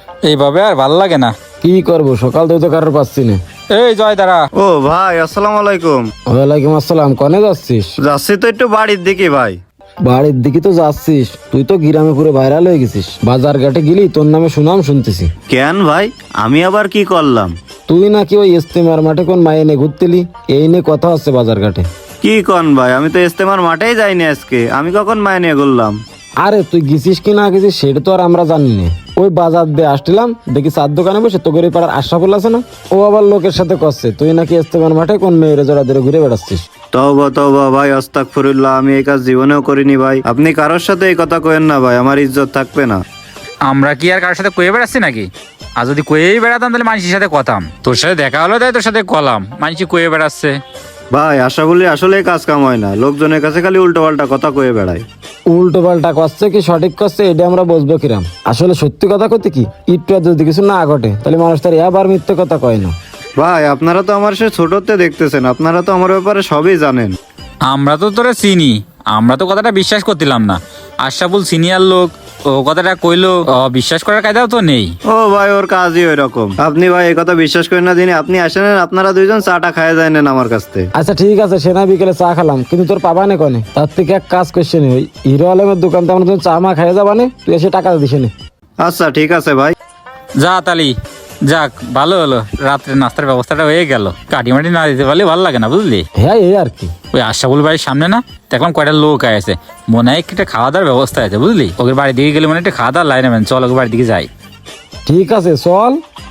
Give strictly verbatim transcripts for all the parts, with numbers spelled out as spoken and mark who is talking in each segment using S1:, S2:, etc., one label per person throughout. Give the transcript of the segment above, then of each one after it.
S1: এইভাবে আর ভাল লাগে না।
S2: কি করবো, সকাল থেকে তো কারোর পাচ্ছি না।
S1: এই জয় দাঁড়া।
S3: ও ভাই, আসসালামু আলাইকুম।
S2: ওয়ালাইকুম আসসালাম। কনে যাচ্ছিস?
S3: যাচ্ছি তো একটু বাড়ির দিকে ভাই।
S2: বাড়ির দিকে তো যাচ্ছিস, তুই তো গ্রামে পুরো ভাইরাল হয়ে গেছিস। বাজার ঘাটে গেলি তোর নামে সুনাম শুনতেছি।
S3: কেন ভাই, আমি আবার কি করলাম?
S2: তুই নাকি ওই ইস্তেমার মাঠে কোন মায়ে নে ঘুরতেলি, এই নিয়ে কথা হচ্ছে বাজার ঘাটে।
S3: কি কন ভাই, আমি তো ইস্তেমার মাঠেই যাইনি আজকে। আমি কখন মায় নিয়ে করলাম?
S2: আরে তুই গেছিস কি না গেছিস সেটা তো আর আমরা জানি না। ওই বাজার দিয়ে আসছিলাম, দেখি চার দোকানে বসে তোকে পাড়ার আশরাফুল আছে না, ও আবার লোকের সাথে করছে তুই নাকি ইস্তেমার মাঠে কোন মেয়ের জোড়া ধরে ঘুরে বেড়াচ্ছিস।
S3: তওবা তওবা ভাই, আস্তাগফিরুল্লাহ, আমি এই কাজ জীবনেও করিনি ভাই। আপনি কারোর সাথে এই কথা কইেন না ভাই, আমার ইজ্জত থাকবে না।
S1: আমরা কি আর কারোর সাথে কয়ে বেড়াচ্ছি নাকি? আর যদি কয়েই বেড়াতাম তাহলে মানুষের সাথে কথাম। তোর সাথে দেখা হলো তাই তোর সাথে কলাম, মানুষ কয়ে বেড়াচ্ছে।
S3: ভাই আশা বলি আসলে কাজ কাম হয় না, লোকজনের কাছে খালি উল্টো পাল্টা কথা কয়ে বেড়ায়।
S2: উল্টো পাল্টা করছে কি সঠিক করছে এটা আমরা বুঝবো কিরাম? আসলে সত্যি কথা কইতে কি, একটু আর যদি কিছু না ঘটে তাহলে মানুষ তার এবার মিথ্যে কথা কয় না।
S3: ভাই আপনারা তো আমার সে ছোটতে দেখতেছেন, আপনারা তো আমার ব্যাপারে সবই জানেন।
S1: আমরা তো তোরা চিনি, আমরা তো কথাটা বিশ্বাস করছিলাম না। আশরাফুল সিনিয়র লোক, ও কথাটা কইলো, বিশ্বাস করার কায়দাও তো নেই।
S3: ও ভাই, ওর কাজই ওই রকম। আপনি ভাই এই কথা বিশ্বাস করেন না দিনে, আপনি আসেন, আপনারা দুইজন চাটা খায় যায় নেন আমার কাছ থেকে।
S2: আচ্ছা ঠিক আছে, সেনা বিকেলে চা খেলাম, কিন্তু তোর পাবা নে কনে? তার থেকে এক কাজ করছে নি, ওই হিরো আলমের দোকান তো আমরা চা মা খাইয়ে যাবা নে, তুই এসে টাকা দিস নে।
S3: আচ্ছা ঠিক আছে ভাই।
S1: যা তালি, যাক ভালো হলো, রাত্রে নাস্তার ব্যবস্থাটা হয়ে গেল। কাটি মাটি না দিতে পারলে ভালো লাগে না, বুঝলি?
S2: হ্যাঁ এই আর কি।
S1: ওই আশরাফুল বাড়ির সামনে না দেখলাম কয়টা লোক আছে, মনে হয় একটা খাওয়া দাওয়ার ব্যবস্থা আছে, বুঝলি? ওকে বাড়ির দিকে গেলে মনে হয় একটা খাওয়া দাওয়ার লাইন নেবেন, চল ওকে বাড়ির দিকে যাই।
S2: ঠিক আছে চল।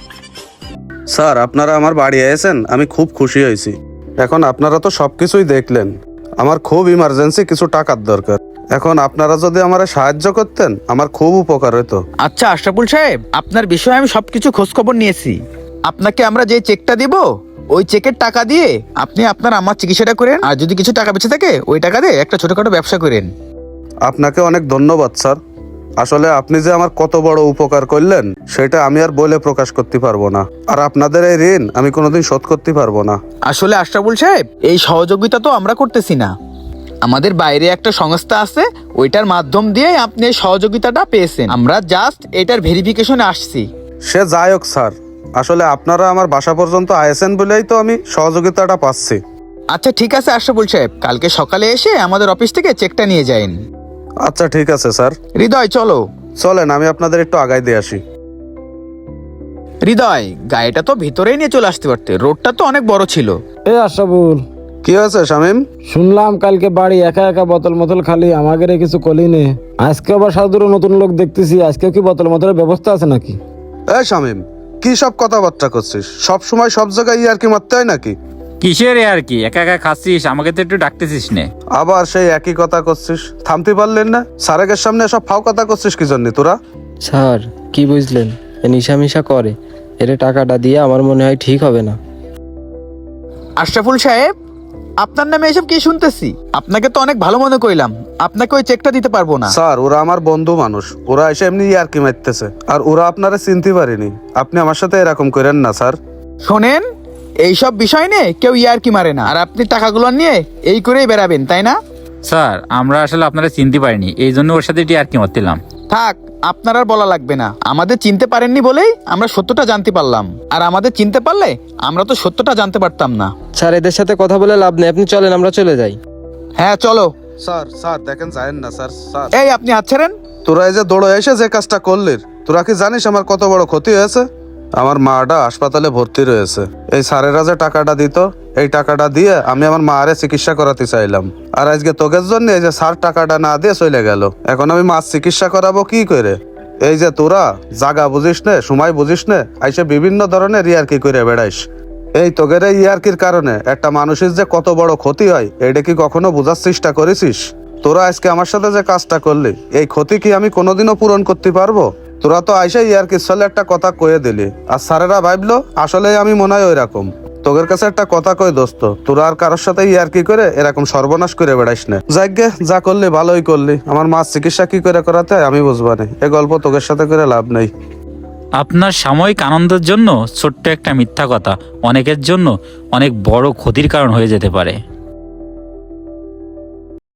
S4: স্যার, আপনারা আমার বাড়ি এসেছেন, আমি খুব খুশি হয়েছি। এখন আপনারা তো সবকিছুই দেখলেন, আমার খুব ইমার্জেন্সি কিছু টাকার দরকার। এখন আপনারা যদি আমার সাহায্য করতেন আমার খুব উপকার হতো।
S5: আচ্ছা আশরাফুল সাহেব, আপনার বিষয়ে আমি সবকিছু খোঁজ খবর নিয়েছি। আপনাকে আমরা যে চেকটা দিব ওই চেকের টাকা দিয়ে আপনি আপনার আমার চিকিৎসাটা করেন, আর যদি কিছু টাকা বেঁচে থাকে ওই টাকা দিয়ে একটা ছোটখাটো ব্যবসা করেন।
S4: আপনাকে অনেক ধন্যবাদ স্যার। আসলে আপনি যে আমার কত বড় উপকার করলেন সেটা আমি আর বলে প্রকাশ করতে পারবো না, আর আপনাদের এই ঋণ আমি কোনোদিন শোধ করতে পারবো না।
S5: আসলে আশরাফুল সাহেব, এই সহযোগিতা তো আমরা করতেছি না, আমাদের বাইরে একটা সংস্থা আছে, ওইটার মাধ্যম দিয়ে আপনি এই সহযোগিতাটা পেয়েছেন। আমরা জাস্ট এটার ভেরিফিকেশনে আসছি।
S4: সে যাই হোক স্যার, আসলে আপনারা আমার বাসা পর্যন্ত আয়েছেন বলেই তো আমি সহযোগিতাটা পাচ্ছি।
S5: আচ্ছা ঠিক আছে আশরাফুল সাহেব, কালকে সকালে এসে আমাদের অফিস থেকে চেকটা নিয়ে যান।
S4: আচ্ছা ঠিক আছে স্যার।
S5: হৃদয় চলো।
S4: চলেন, আমি আপনাদের একটু আগায় দিয়ে আসি।
S5: হৃদয়, গাড়িটা তো ভিতরেই নিয়ে চলে আসতে পারতে, রোডটা তো অনেক বড় ছিল।
S2: এ আশরাফুল,
S4: কি হয়েছে শামিম?
S2: শুনলাম কালকে বাড়ি একা একা বোতল মতল খালি, আমাকে রে কিছু কলি নে। আজকে আবার সাধুরও নতুন লোক দেখতেছি, আজকে কি বোতল মতলের ব্যবস্থা আছে নাকি?
S4: এই শামিম, কি সব কথাবার্তা করছিস? সব সময় সব জায়গায় ইয়ার কি মারতে হয় নাকি?
S1: কিসের আর কি, একা একা খাচ্ছিস, আমাকে তো একটু ডাকতেছিস নে।
S4: আবার সেই একই কথা করছিস, থামতে পারলেন না? স্যারের সামনে সব ফাও কথা করছিস কি জন্য তোরা?
S6: স্যার কি বুঝলেন, এ নিশা মিশা করে, এর টাকাটা দিয়ে আমার মনে হয় ঠিক হবে না।
S5: আশরাফুল সাহেব, আপনার নামে এসব কি শুনতেছি? আপনাকে তো অনেক ভালো মনে কইলাম, আপনাকে ওই চেকটা দিতে পারবো না।
S4: স্যার, ওরা আমার বন্ধু মানুষ, ওরা এসে এমনি ইয়ার কি মারতেছে, আর ওরা আপনারা চিনতে পারেনি। আপনি আমার সাথে এরকম করেন না স্যার।
S5: শোনেন, এইসব বিষয় নিয়ে কেউ ইয়ারকি মারে না, আর আপনি টাকাগুলো নিয়ে এই করেই বেড়াবেন, তাই না?
S1: স্যার, আমরা আসলে আপনারা চিনতে পারিনি, এই জন্য ওর সাথে এটি আর কি মারছিলাম।
S5: থাক, আপনার আর বলা লাগবে না। আমাদের চিনতে পারেননি বলেই আমরা সত্যটা জানতে পারলাম, আর আমাদের চিনতে পারলে আমরা তো সত্যটা জানতে পারতাম না।
S6: স্যার এদের সাথে কথা বলে লাভ নেই, আপনি চলেন আমরা চলে যাই।
S5: হ্যাঁ চলো।
S4: স্যার স্যার দেখেন, যায়েন না স্যার। স্যার,
S5: এই আপনি হাত ছাড়েন।
S4: তোরা এই যে দৌড়ে এসে যে কাজটা করলি, তোরা কি জানিস আমার কত বড় ক্ষতি হয়েছে? আমার মাটা হাসপাতালে ভর্তি রয়েছে। এই স্যারেরা যে টাকাটা দিত, এই টাকাটা দিয়ে আমি আমার মারে চিকিৎসা করাতে চাইলাম, আর আজকে তোকের জন্য এই যে স্যার টাকাটা না দিয়ে চলে গেল। এখন আমি মাছ চিকিৎসা করাবো কি করে? এই যে তোরা জাগা বুঝিস নে, সময় বুঝিস নে, আইসে বিভিন্ন ধরনের ইয়ারকি করে বেড়াইস। এই তোগের এই ইয়ারকির কারণে একটা মানুষের যে কত বড় ক্ষতি হয় এটা কি কখনো বোঝার চেষ্টা করেছিস? তোরা আজকে আমার সাথে যে কাজটা করলি, এই ক্ষতি কি আমি কোনোদিনও পূরণ করতে পারবো? তোরা তো আইসা ইয়ারকির ছলে একটা কথা কয়ে দিলি, আর স্যারেরা ভাবলো আসলে আমি মনে হয় ওই রকম। তোদের কাছে একটা কথা কই দোস্ত, তোরা আর কারোর সাথে ইয়ারকি করে এরকম সর্বনাশ করে বেড়াইস না। যাইগে, যা করলি ভালোই করলি, আমার মাছ চিকিৎসা কি করে করাতে হয় আমি বুঝবা না, এ গল্প তোদের সাথে করে লাভ নেই।
S1: আপনার সাময়িক আনন্দের জন্য ছোট্ট একটা মিথ্যা কথা অনেকের জন্য অনেক বড় ক্ষতির কারণ হয়ে যেতে পারে।